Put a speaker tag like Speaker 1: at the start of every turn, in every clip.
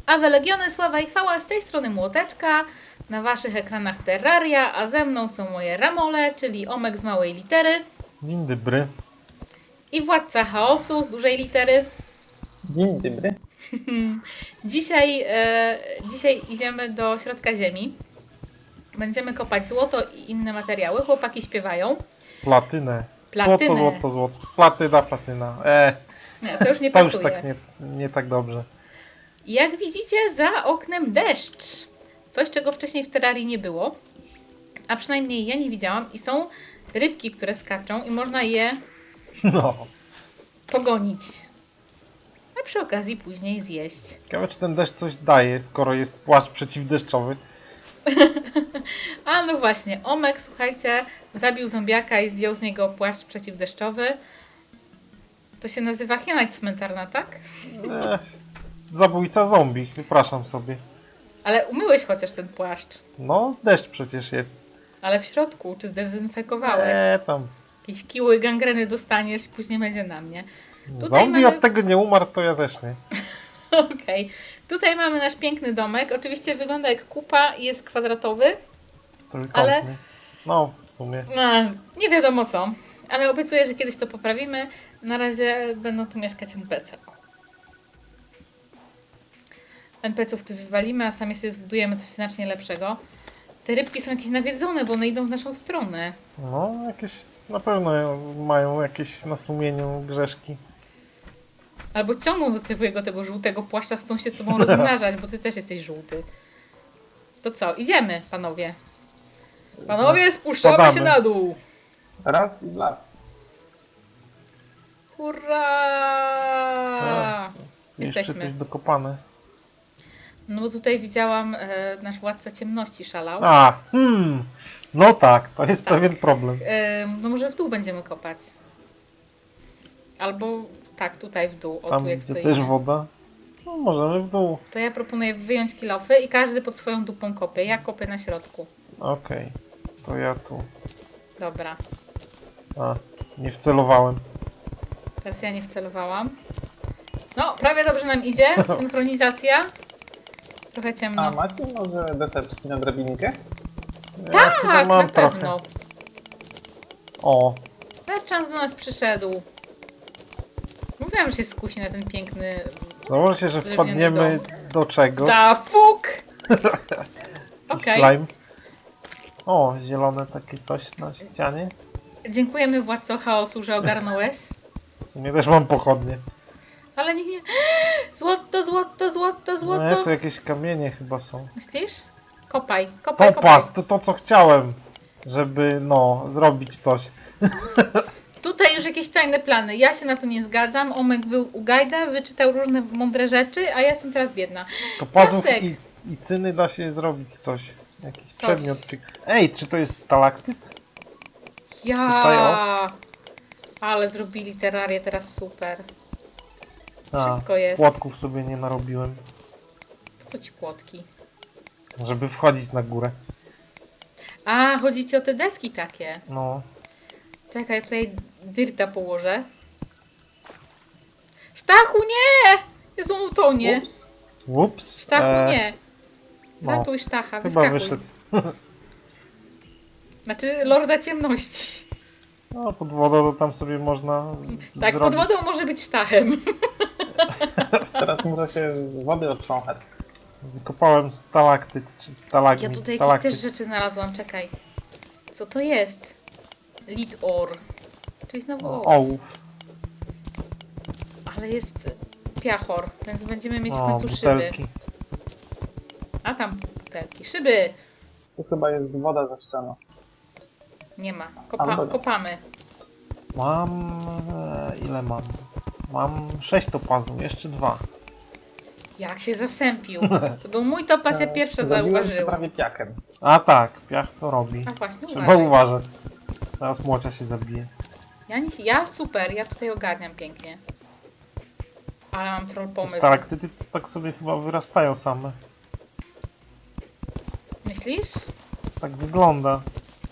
Speaker 1: Awe Legiony, sława i chwała, z tej strony Młoteczka, na waszych ekranach Terraria, a ze mną są moje Ramole, czyli Omek z małej litery
Speaker 2: Dzień dobry.
Speaker 1: i Władca Chaosu z dużej litery.
Speaker 3: Dzień dobry.
Speaker 1: Dzisiaj idziemy do środka ziemi. Będziemy kopać złoto i inne materiały. Chłopaki śpiewają.
Speaker 2: Platynę.
Speaker 1: Platynę.
Speaker 2: Złoto. Platyna.
Speaker 1: Nie, to już nie
Speaker 2: To już
Speaker 1: pasuje.
Speaker 2: tak nie tak dobrze.
Speaker 1: Jak widzicie, za oknem deszcz. Coś, czego wcześniej w Terrarii nie było. A przynajmniej ja nie widziałam. I są rybki, które skaczą i można je
Speaker 2: No.
Speaker 1: pogonić. A przy okazji później zjeść.
Speaker 2: Ciekawe, czy ten deszcz coś daje, skoro jest płaszcz przeciwdeszczowy.
Speaker 1: A no właśnie, Omek, słuchajcie, zabił zombiaka i zdjął z niego płaszcz przeciwdeszczowy. To się nazywa hiena cmentarna, tak?
Speaker 2: Zabójca zombie, wypraszam sobie.
Speaker 1: Ale umyłeś chociaż ten płaszcz.
Speaker 2: No, deszcz przecież jest.
Speaker 1: Ale w środku, czy zdezynfekowałeś?
Speaker 2: Tam.
Speaker 1: Jakieś kiły gangreny dostaniesz i później będzie na mnie. Tutaj
Speaker 2: Zombie
Speaker 1: mamy-
Speaker 2: od tego nie umarł, to ja też nie.
Speaker 1: Okej. Tutaj mamy nasz piękny domek. Oczywiście wygląda jak kupa i jest kwadratowy.
Speaker 2: Trójkątny.
Speaker 1: Ale-
Speaker 2: No, w sumie.
Speaker 1: No, nie wiadomo co. Ale obiecuję, że kiedyś to poprawimy. Na razie będą tu mieszkać NPC. NPC-ów tu wywalimy, a sami sobie zbudujemy coś znacznie lepszego. Te rybki są jakieś nawiedzone, bo one idą w naszą stronę.
Speaker 2: No, jakieś na pewno mają jakieś na sumieniu grzeszki.
Speaker 1: Albo ciągną do tego żółtego płaszcza, chcą się z tobą rozmnażać, bo ty też jesteś żółty. To co, idziemy, panowie. Panowie, spuszczamy
Speaker 2: Spadamy.
Speaker 1: się na dół.
Speaker 3: Raz i w las.
Speaker 1: Hurra!
Speaker 2: Jeszcze
Speaker 1: Jesteśmy.
Speaker 2: coś dokopane.
Speaker 1: No bo tutaj widziałam, nasz władca ciemności szalał.
Speaker 2: No tak, to jest
Speaker 1: Tak.
Speaker 2: pewien problem.
Speaker 1: No może w dół będziemy kopać. Albo tak, tutaj w dół. O,
Speaker 2: Tam,
Speaker 1: tu jak
Speaker 2: gdzie
Speaker 1: stoimy.
Speaker 2: też woda, no możemy w dół.
Speaker 1: To ja proponuję wyjąć kilofy i każdy pod swoją dupą kopie. Ja kopię na środku.
Speaker 2: Okej, to ja tu.
Speaker 1: Dobra.
Speaker 2: Nie wcelowałem.
Speaker 1: Teraz ja nie wcelowałam. No, prawie dobrze nam idzie. Synchronizacja. Trochę
Speaker 3: A
Speaker 1: ciemno.
Speaker 3: macie może deseczki na drabinkę?
Speaker 2: Ja chyba
Speaker 1: Tak,
Speaker 2: mam
Speaker 1: na
Speaker 2: trochę.
Speaker 1: pewno.
Speaker 2: O,
Speaker 1: Merchant do nas przyszedł. Mówiłam, że się skusi na ten piękny...
Speaker 2: założę się, że
Speaker 1: Drewniany
Speaker 2: wpadniemy do czegoś.
Speaker 1: Da fuk! Okej.
Speaker 2: Slime. O, zielone takie coś na ścianie.
Speaker 1: Dziękujemy Władco Chaosu, że ogarnąłeś.
Speaker 2: W sumie też mam pochodnie.
Speaker 1: Ale niech nie... Złoto, złoto, złoto,
Speaker 2: No,
Speaker 1: złoto.
Speaker 2: tu jakieś kamienie chyba są.
Speaker 1: Myślisz? Kopaj, kopaj, kopaj.
Speaker 2: Topaz, to co chciałem. Żeby, zrobić coś.
Speaker 1: Tutaj już jakieś tajne plany. Ja się na to nie zgadzam. Omek był u Gajda, wyczytał różne mądre rzeczy, a ja jestem teraz biedna.
Speaker 2: Z topazów
Speaker 1: Piasek.
Speaker 2: i cyny da się zrobić coś. Jakiś
Speaker 1: Coś.
Speaker 2: przedmiot. Ej, czy to jest stalaktyt?
Speaker 1: Ja.
Speaker 2: Tutaj,
Speaker 1: Ale zrobili terrarię teraz super.
Speaker 2: A,
Speaker 1: Wszystko jest.
Speaker 2: płotków sobie nie narobiłem.
Speaker 1: Po co ci płotki?
Speaker 2: Żeby wchodzić na górę.
Speaker 1: A, chodzi ci o te deski takie.
Speaker 2: No.
Speaker 1: Czekaj, tutaj dyrta położę. Sztachu, nie! Jezu, on utonie.
Speaker 3: Ups.
Speaker 2: Ups.
Speaker 1: Sztachu, nie.
Speaker 2: no.
Speaker 1: Ratuj Sztacha,
Speaker 2: Chyba
Speaker 1: wyskakuj.
Speaker 2: wyszedł.
Speaker 1: Znaczy, Lorda Ciemności.
Speaker 2: No, pod wodą to tam sobie można
Speaker 1: Tak,
Speaker 2: zrobić.
Speaker 1: pod wodą może być Sztachem.
Speaker 3: Teraz muszę się z wody otrząchać.
Speaker 2: Wykopałem stalaktyt, czy stalagmit.
Speaker 1: Ja tutaj jakieś
Speaker 2: stalaktyt.
Speaker 1: też rzeczy znalazłam, czekaj. Co to jest? Lead ore. Czyli znowu
Speaker 2: Ołów.
Speaker 1: Ale jest piachor, więc będziemy mieć w
Speaker 2: O,
Speaker 1: końcu szyby.
Speaker 2: butelki.
Speaker 1: A tam butelki. Szyby!
Speaker 3: Tu chyba jest woda za ścianą.
Speaker 1: Nie ma.
Speaker 3: Albo nie.
Speaker 1: Kopamy.
Speaker 2: Mam... ile mam? Mam 6 topazów, jeszcze 2.
Speaker 1: Jak się zasępił. To był mój topaz, ja pierwsza
Speaker 3: Zabiłem się
Speaker 1: zauważyłam.
Speaker 3: prawie piakiem.
Speaker 2: A tak, piach to robi.
Speaker 1: A właśnie,
Speaker 2: Trzeba
Speaker 1: uważaj.
Speaker 2: uważać. Teraz młocia się zabije.
Speaker 1: Ja super, ja tutaj ogarniam pięknie. Ale mam troll pomysł.
Speaker 2: Stalaktyty to tak sobie chyba wyrastają same.
Speaker 1: Myślisz?
Speaker 2: Tak wygląda.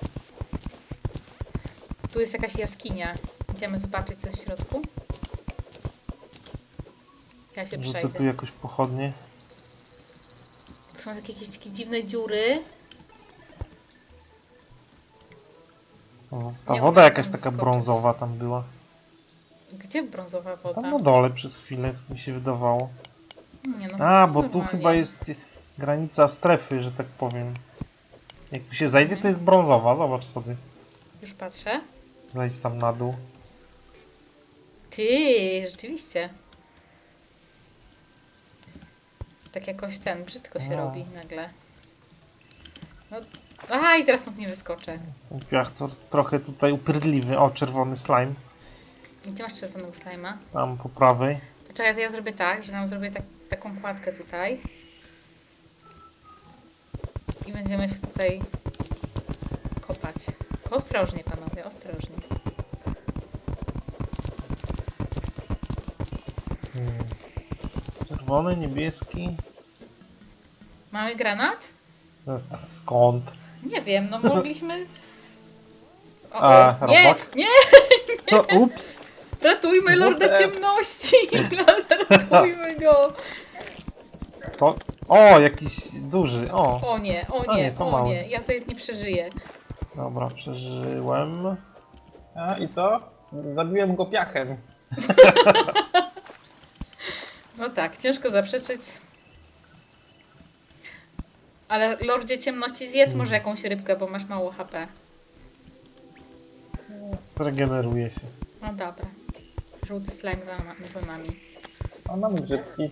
Speaker 1: Tu jest jakaś jaskinia. Idziemy zobaczyć, co jest w środku. Ja się
Speaker 2: Rzucę
Speaker 1: przejdę.
Speaker 2: tu jakoś pochodnie.
Speaker 1: Tu są jakieś takie dziwne dziury.
Speaker 2: O, ta
Speaker 1: Nie
Speaker 2: woda
Speaker 1: umiem
Speaker 2: jakaś
Speaker 1: tam
Speaker 2: taka
Speaker 1: skoczyć.
Speaker 2: brązowa tam była.
Speaker 1: Gdzie brązowa woda?
Speaker 2: Tam na dole przez chwilę, tak mi się wydawało.
Speaker 1: Nie, no,
Speaker 2: A, bo tu
Speaker 1: normalnie.
Speaker 2: chyba jest granica strefy, że tak powiem. Jak tu się zajdzie, to jest brązowa, zobacz sobie.
Speaker 1: Już patrzę.
Speaker 2: Zajdź tam na dół.
Speaker 1: Ty, rzeczywiście. Tak jakoś brzydko się
Speaker 2: No.
Speaker 1: robi nagle. No, aha, i teraz stąd nie wyskoczę.
Speaker 2: Ten piach to trochę tutaj upierdliwy. O, czerwony slime.
Speaker 1: Gdzie masz czerwonego slajma?
Speaker 2: Tam po prawej.
Speaker 1: To czekaj, to ja zrobię tak, że nam zrobię taką kładkę tutaj. I będziemy się tutaj kopać. Tylko ostrożnie, panowie, ostrożnie.
Speaker 2: Czerwony, niebieski.
Speaker 1: Mamy granat?
Speaker 2: Skąd?
Speaker 1: Nie wiem, no mogliśmy... O,
Speaker 2: A,
Speaker 1: nie,
Speaker 2: robak?
Speaker 1: nie!
Speaker 2: No, ups!
Speaker 1: Ratujmy Lorda
Speaker 3: WTF.
Speaker 1: Ciemności! Ratujmy go!
Speaker 2: Co? O, jakiś duży. O,
Speaker 1: O nie, o
Speaker 2: A
Speaker 1: nie,
Speaker 2: nie, to
Speaker 1: o
Speaker 2: mały.
Speaker 1: nie. Ja tutaj nie przeżyję.
Speaker 2: dobra, przeżyłem.
Speaker 3: A i co? Zabiłem go piachem.
Speaker 1: No tak, ciężko zaprzeczyć. Ale Lordzie Ciemności zjedz może jakąś rybkę, bo masz mało HP.
Speaker 2: Zregeneruje się.
Speaker 1: No dobra. Żółty slime za nami.
Speaker 3: A mam grzybki.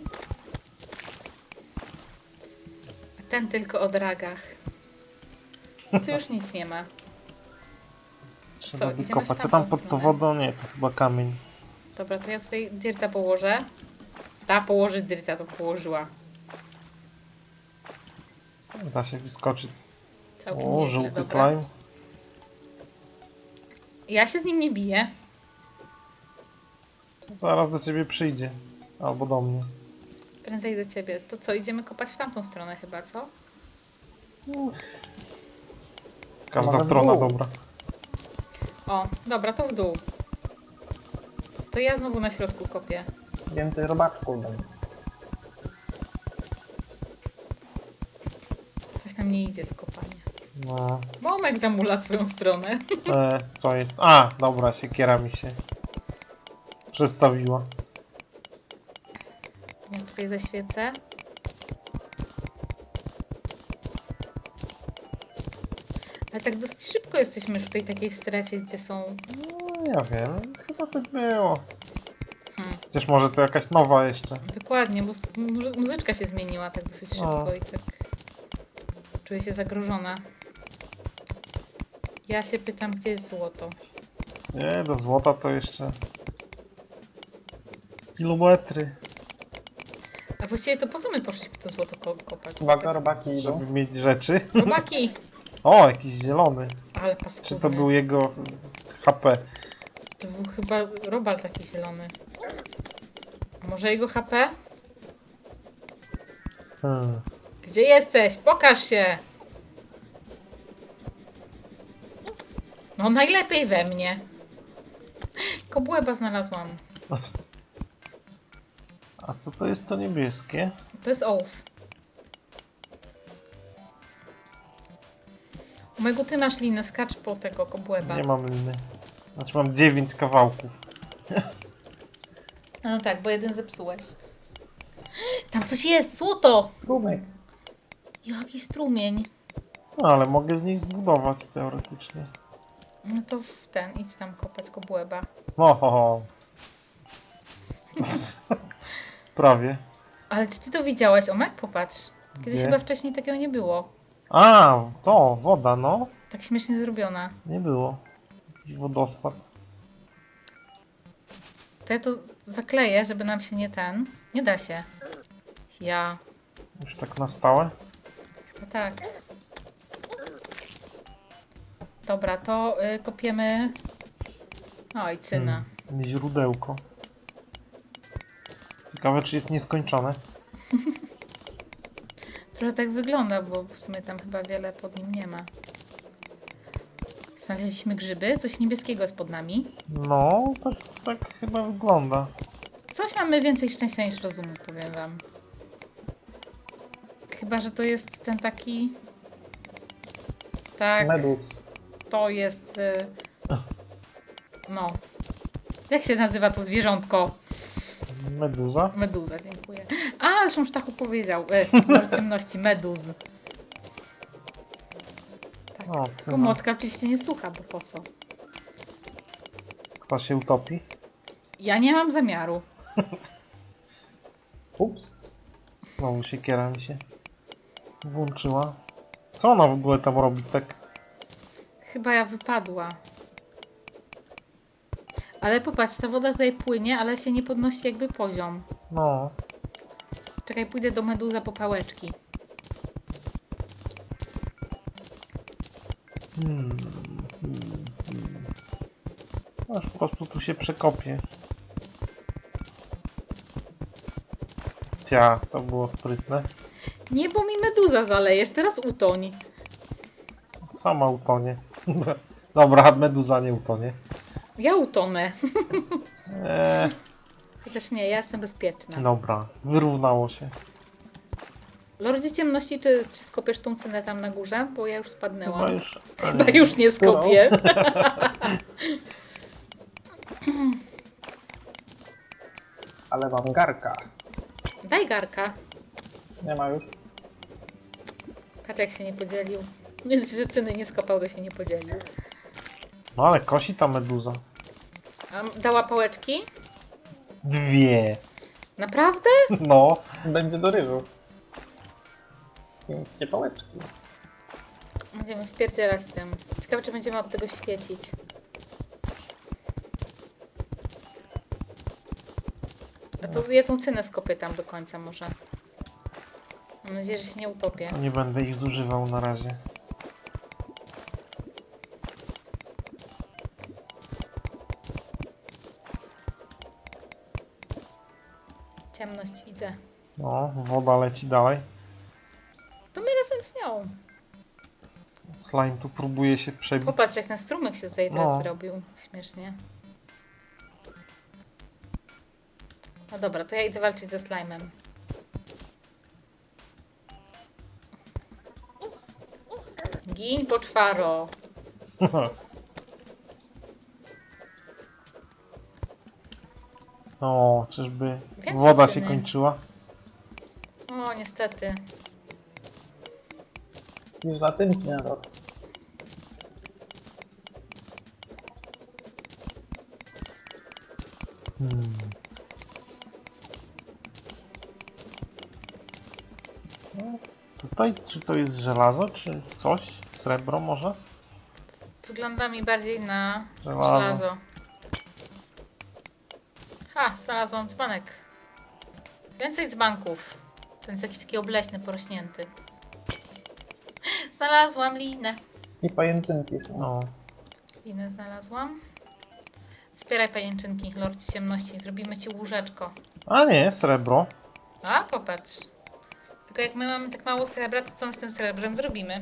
Speaker 1: A ten tylko o dragach. Tu już nic nie ma.
Speaker 2: Trzeba
Speaker 1: idziemy w
Speaker 2: wykopać. Co
Speaker 1: tamtą
Speaker 2: tam pod tą
Speaker 1: stronę?
Speaker 2: wodą? Nie, to chyba kamień.
Speaker 1: Dobra, to ja tutaj dirta położę. Ta położy dirta, to położyła.
Speaker 2: Da się wyskoczyć.
Speaker 1: Całkiem
Speaker 2: O,
Speaker 1: nieźle,
Speaker 2: żółty
Speaker 1: dobra.
Speaker 2: slime.
Speaker 1: Ja się z nim nie biję.
Speaker 2: Zaraz do ciebie przyjdzie. Albo do mnie.
Speaker 1: Prędzej do ciebie. To co, idziemy kopać w tamtą stronę chyba, co?
Speaker 2: Każda
Speaker 3: Może w
Speaker 2: strona
Speaker 3: dół.
Speaker 2: dobra.
Speaker 1: O, dobra, to w dół. To ja znowu na środku kopię.
Speaker 3: Więcej robaczków dam.
Speaker 1: Coś nam nie idzie do kopania.
Speaker 2: No.
Speaker 1: Momek zamula swoją stronę.
Speaker 2: Co jest? A, dobra, siekiera mi się przestawiła.
Speaker 1: Ja tutaj zaświecę. Ale tak dosyć szybko jesteśmy już w tej takiej strefie, gdzie są...
Speaker 2: No, ja wiem. Chyba tak było.
Speaker 1: Hmm,
Speaker 2: Chociaż może to jakaś nowa jeszcze.
Speaker 1: dokładnie, bo muzyczka się zmieniła tak dosyć szybko i tak... Czuję się zagrożona. Ja się pytam, gdzie jest złoto.
Speaker 2: Nie, do złota to jeszcze... kilometry.
Speaker 1: A właściwie to po co my poszliśmy to złoto kopać?
Speaker 3: Uwaga, robaki idą.
Speaker 2: Żeby mieć rzeczy.
Speaker 1: Chłopaki!
Speaker 2: O, jakiś zielony.
Speaker 1: Ale paskudny.
Speaker 2: Czy to był jego HP?
Speaker 1: To był chyba robal taki zielony. A może jego HP? Gdzie jesteś? Pokaż się! No najlepiej we mnie. Kobłęba znalazłam.
Speaker 2: A co to jest to niebieskie?
Speaker 1: To jest ołów. Omegu, ty masz linę, skacz po tego kobłęba.
Speaker 2: Nie mam liny. Znaczy mam 9 kawałków.
Speaker 1: No tak, bo jeden zepsułeś. Tam coś jest! Złoto!
Speaker 3: Strumek.
Speaker 1: Jaki strumień.
Speaker 2: No ale mogę z nich zbudować teoretycznie.
Speaker 1: No to idź tam kopać kobłęba.
Speaker 2: No, ho, ho. Prawie.
Speaker 1: Ale czy ty to widziałeś, Omek? Popatrz. Kiedyś
Speaker 2: Gdzie?
Speaker 1: chyba wcześniej takiego nie było.
Speaker 2: A, to, woda, no.
Speaker 1: Tak śmiesznie zrobiona.
Speaker 2: Nie było. Jakiś wodospad.
Speaker 1: To ja to zakleję, żeby nam się nie da się. Ja.
Speaker 2: Już tak na stałe.
Speaker 1: No tak. Dobra, to kopiemy... Oj, cyna.
Speaker 2: Źródełko. Ciekawe, czy jest nieskończone.
Speaker 1: Trochę tak wygląda, bo w sumie tam chyba wiele pod nim nie ma. Znaleźliśmy grzyby, coś niebieskiego jest pod nami.
Speaker 2: No, tak chyba wygląda.
Speaker 1: Coś mamy więcej szczęścia niż rozumu, powiem wam. Chyba, że to jest ten taki... Tak,
Speaker 3: Medus.
Speaker 1: to jest... No. Jak się nazywa to zwierzątko?
Speaker 2: Meduza?
Speaker 1: Meduza, dziękuję. A, zresztą Sztachu powiedział. Lord ciemności, meduz. Tak.
Speaker 2: O,
Speaker 1: Tylko młotka oczywiście nie słucha, bo po co?
Speaker 2: Kto się utopi?
Speaker 1: Ja nie mam zamiaru.
Speaker 3: Ups.
Speaker 2: Znowu siekiera mi się włączyła. Co ona w ogóle tam robi tak?
Speaker 1: Chyba ja wypadła. Ale popatrz, ta woda tutaj płynie, ale się nie podnosi jakby poziom.
Speaker 2: No.
Speaker 1: Czekaj, pójdę do meduza po pałeczki.
Speaker 2: Aż po prostu tu się przekopie. Cia, to było sprytne.
Speaker 1: Nie, bo mi meduza zalejesz, teraz utoń.
Speaker 2: Sama utonie. Dobra, meduza nie utonie.
Speaker 1: Ja utonę.
Speaker 2: Eee,
Speaker 1: Chociaż nie, ja jestem bezpieczna.
Speaker 2: dobra, wyrównało się.
Speaker 1: Lordzie ciemności, czy skopiesz tą cynę tam na górze? Bo ja już spadnęłam.
Speaker 2: Chyba już...
Speaker 1: Chyba już nie skopię.
Speaker 3: Ale mam garka.
Speaker 1: Daj garka.
Speaker 3: Nie ma już.
Speaker 1: Patrz jak się nie podzielił. Więc, że cyny nie skopał, to się nie podzielił.
Speaker 2: No ale kosi ta meduza.
Speaker 1: A dała pałeczki?
Speaker 2: 2.
Speaker 1: Naprawdę?
Speaker 2: No.
Speaker 3: Będzie do ryżu. Chińskie pałeczki.
Speaker 1: Będziemy wpierdzielać tym. Ciekawe, czy będziemy od tego świecić. A to ja tą cynę skopię tam do końca może. Mam nadzieję, że się nie utopię.
Speaker 2: Nie będę ich zużywał na razie.
Speaker 1: Ciemność widzę.
Speaker 2: No, woda leci dalej.
Speaker 1: To my razem z nią.
Speaker 2: Slime tu próbuje się przebić.
Speaker 1: Popatrz, jak na strumyk się tutaj teraz
Speaker 2: No.
Speaker 1: zrobił. Śmiesznie. No dobra, to ja idę walczyć ze slime'em. Gin poczwaro.
Speaker 2: O, czyżby
Speaker 1: Więcej
Speaker 2: woda się
Speaker 1: cyny.
Speaker 2: kończyła?
Speaker 1: O, niestety.
Speaker 3: Niż latynki na rok.
Speaker 2: Tutaj, czy to jest żelazo, czy coś? Srebro może?
Speaker 1: Wygląda mi bardziej na
Speaker 2: Żelazo.
Speaker 1: żelazo. Ha, znalazłam dzbanek. Więcej dzbanków. Ten jest jakiś taki obleśny, porośnięty. Znalazłam linę.
Speaker 3: I pajęczynki są.
Speaker 2: No.
Speaker 1: Linę znalazłam. Zbieraj pajęczynki, Lord Ciemności. Zrobimy ci łóżeczko.
Speaker 2: A nie, srebro.
Speaker 1: A, popatrz. Tylko jak my mamy tak mało srebra, to co my z tym srebrem zrobimy?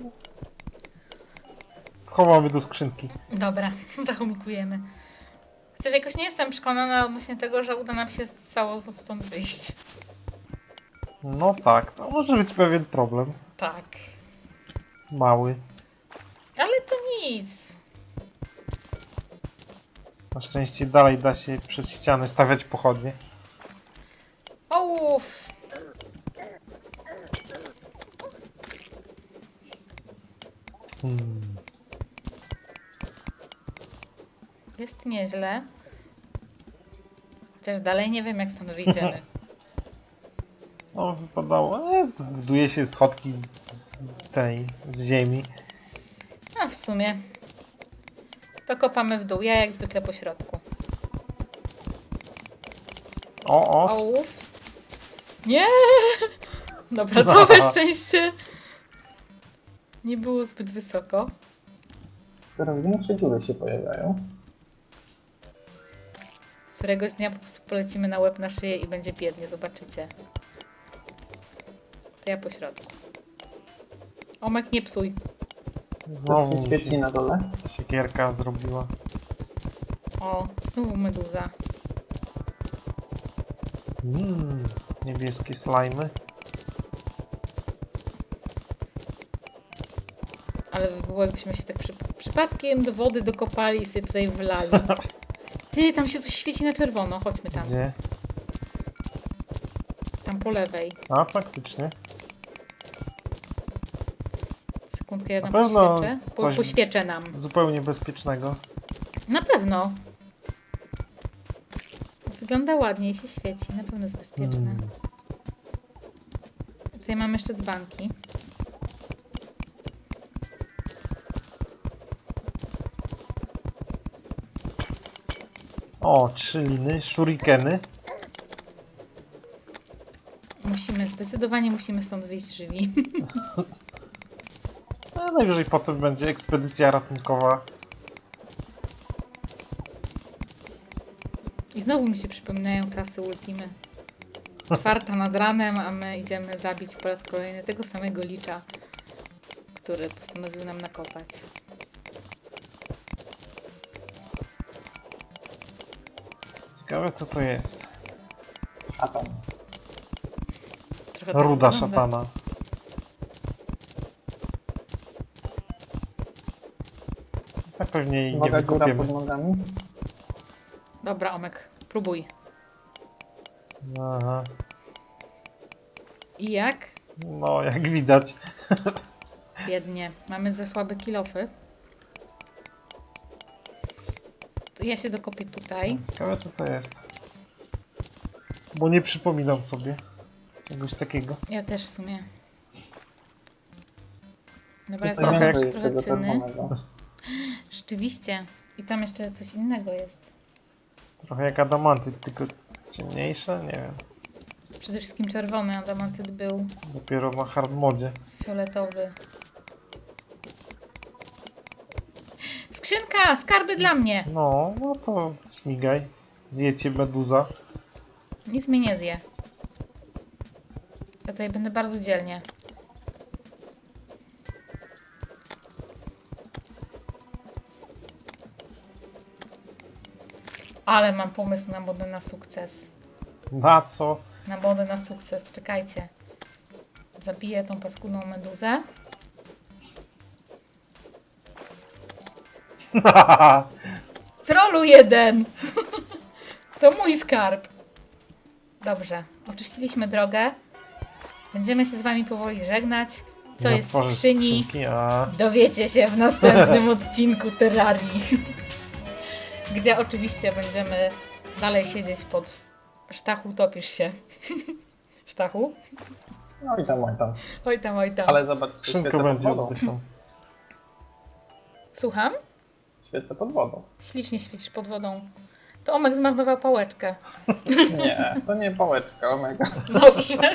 Speaker 2: Schowamy do skrzynki.
Speaker 1: Dobra, zachomikujemy. Chociaż jakoś nie jestem przekonana odnośnie tego, że uda nam się cało stąd wyjść.
Speaker 2: No tak, to może być pewien problem.
Speaker 1: Tak.
Speaker 2: Mały.
Speaker 1: Ale to nic.
Speaker 2: Na szczęście dalej da się przez ściany stawiać pochodnie.
Speaker 1: Ołów! Jest nieźle. Chociaż dalej nie wiem, jak stąd wyjdziemy.
Speaker 2: No, wypadało. To buduje się schodki z ziemi.
Speaker 1: A w sumie. To kopamy w dół. Ja jak zwykle po środku.
Speaker 2: O,
Speaker 1: Ołów. Nie! Dobra, całe szczęście. Nie było zbyt wysoko.
Speaker 3: Coraz większe dziury się pojawiają.
Speaker 1: Któregoś dnia po prostu polecimy na łeb, na szyję i będzie biednie, zobaczycie. To ja po środku. Omek, nie psuj.
Speaker 2: znowu
Speaker 3: Coś
Speaker 2: mi
Speaker 3: się świeci
Speaker 2: się
Speaker 3: na dole.
Speaker 2: siekierka zrobiła.
Speaker 1: O, znowu meduza.
Speaker 2: Niebieskie slimy.
Speaker 1: Ale by było, jakbyśmy się tak przypadkiem do wody dokopali i sobie tutaj wlali. Ty, tam się coś świeci na czerwono. Chodźmy tam.
Speaker 2: Gdzie?
Speaker 1: Tam po lewej.
Speaker 2: A, faktycznie.
Speaker 1: Sekundkę, ja
Speaker 2: Na
Speaker 1: tam
Speaker 2: pewno
Speaker 1: poświeczę.
Speaker 2: coś-
Speaker 1: Poświeczę nam.
Speaker 2: Zupełnie bezpiecznego.
Speaker 1: Na pewno. Wygląda ładnie i się świeci. Na pewno jest bezpieczne.
Speaker 2: Hmm.
Speaker 1: Tutaj mam jeszcze dzbanki.
Speaker 2: O, 3 liny, shurikeny.
Speaker 1: Zdecydowanie musimy stąd wyjść żywi.
Speaker 2: A najwyżej potem będzie ekspedycja ratunkowa.
Speaker 1: I znowu mi się przypominają czasy Ultimy. 4 nad ranem, a my idziemy zabić po raz kolejny tego samego licza, który postanowił nam nakopać.
Speaker 2: Ciekawe co to jest.
Speaker 3: Szatan.
Speaker 1: Trochę tak
Speaker 2: Ruda
Speaker 1: wygląda.
Speaker 2: szatana. Tak pewnie jej nie
Speaker 3: Uwaga, góra
Speaker 2: wykopiemy.
Speaker 3: pod nogami.
Speaker 1: Dobra, Omek, próbuj.
Speaker 2: Aha.
Speaker 1: I jak?
Speaker 2: No, jak widać.
Speaker 1: Biednie. Mamy za słabe kilofy. To ja się dokopię tutaj.
Speaker 2: Ciekawe co to jest. Bo nie przypominam sobie czegoś takiego.
Speaker 1: Ja też w sumie. Dobra, jest
Speaker 2: Trochę-
Speaker 1: trochę,
Speaker 3: Więcej
Speaker 1: trochę
Speaker 3: tego
Speaker 1: cyny.
Speaker 3: czerwonego.
Speaker 1: Rzeczywiście. I tam jeszcze coś innego jest.
Speaker 2: Trochę jak adamantyt, tylko ciemniejsze? Nie wiem.
Speaker 1: Przede wszystkim czerwony, adamantyt był
Speaker 2: Dopiero na hard modzie.
Speaker 1: fioletowy. Skrzynka! Skarby dla mnie!
Speaker 2: No to śmigaj. Zjecie meduza.
Speaker 1: Nic mnie nie zje. Ja tutaj będę bardzo dzielnie. Ale mam pomysł na modę na sukces.
Speaker 2: Na co?
Speaker 1: Na modę na sukces. Czekajcie. Zabiję tą paskudną meduzę. Trollu jeden! To mój skarb. Dobrze. Oczyściliśmy drogę. Będziemy się z wami powoli żegnać. Co
Speaker 2: Nie
Speaker 1: jest w
Speaker 2: otworzysz
Speaker 1: skrzyni?
Speaker 2: skrzynki, a...
Speaker 1: Dowiecie się w następnym odcinku Terrarii. Gdzie oczywiście będziemy dalej siedzieć pod... Sztachu, topisz się. Sztachu?
Speaker 3: No i tam, oj tam.
Speaker 1: Oj tam, oj tam.
Speaker 3: Ale zobacz,
Speaker 2: Skrzynka
Speaker 3: świecę pod
Speaker 2: będzie
Speaker 3: wodą.
Speaker 2: oddychał.
Speaker 1: Słucham?
Speaker 3: Świecę pod wodą.
Speaker 1: Ślicznie świecisz pod wodą. To Omek zmarnował pałeczkę.
Speaker 3: Nie, to nie pałeczka, omega.
Speaker 1: Dobrze.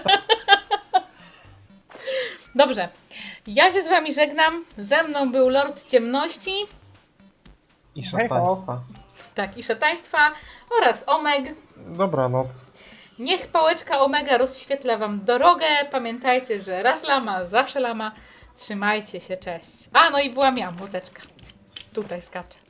Speaker 1: Dobrze. Ja się z wami żegnam. Ze mną był Lord Ciemności.
Speaker 2: I szataństwa.
Speaker 1: Tak, i szataństwa oraz Omeg.
Speaker 2: Dobranoc.
Speaker 1: Niech pałeczka Omega rozświetla wam drogę. Pamiętajcie, że raz lama, zawsze lama. Trzymajcie się, cześć. A, no i była miała młoteczka. Tutaj skacze.